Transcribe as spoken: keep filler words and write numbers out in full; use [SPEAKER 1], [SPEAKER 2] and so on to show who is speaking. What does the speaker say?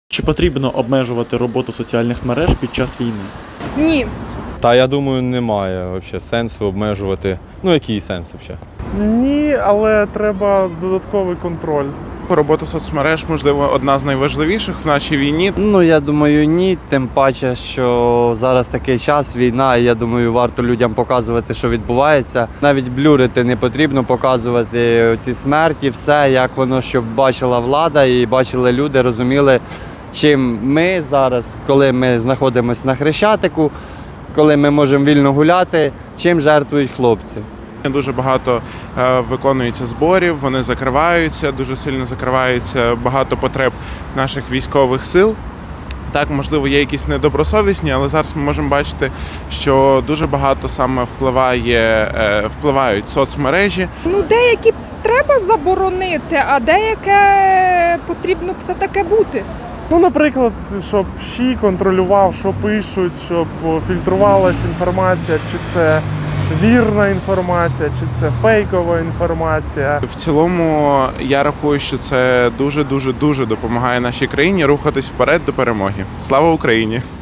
[SPEAKER 1] Чи потрібно обмежувати роботу соціальних мереж під час війни?
[SPEAKER 2] Ні.
[SPEAKER 3] Та я думаю, немає взагалі сенсу обмежувати. Ну який сенс взагалі?
[SPEAKER 4] Ні, але треба додатковий контроль.
[SPEAKER 5] Робота соцмереж, можливо, одна з найважливіших в нашій війні.
[SPEAKER 6] Ну, я думаю, ні. Тим паче, що зараз такий час, війна, і я думаю, варто людям показувати, що відбувається. Навіть блюрити не потрібно, показувати ці смерті, все, як воно, щоб бачила влада і бачили люди, розуміли, чим ми зараз, коли ми знаходимося на Хрещатику, коли ми можемо вільно гуляти, чим жертвують хлопці.
[SPEAKER 5] Дуже багато е, виконується зборів, вони закриваються, дуже сильно закриваються багато потреб наших військових сил. Так, можливо, є якісь недобросовісні, але зараз ми можемо бачити, що дуже багато саме впливає, е, впливають соцмережі.
[SPEAKER 2] Ну, деякі треба заборонити, а деяке потрібно все таке бути.
[SPEAKER 4] Ну, наприклад, щоб ЩІ контролював, що пишуть, щоб фільтрувалася інформація, чи це вірна інформація, чи це фейкова інформація.
[SPEAKER 5] В цілому, я рахую, що це дуже-дуже-дуже допомагає нашій країні рухатись вперед до перемоги. Слава Україні!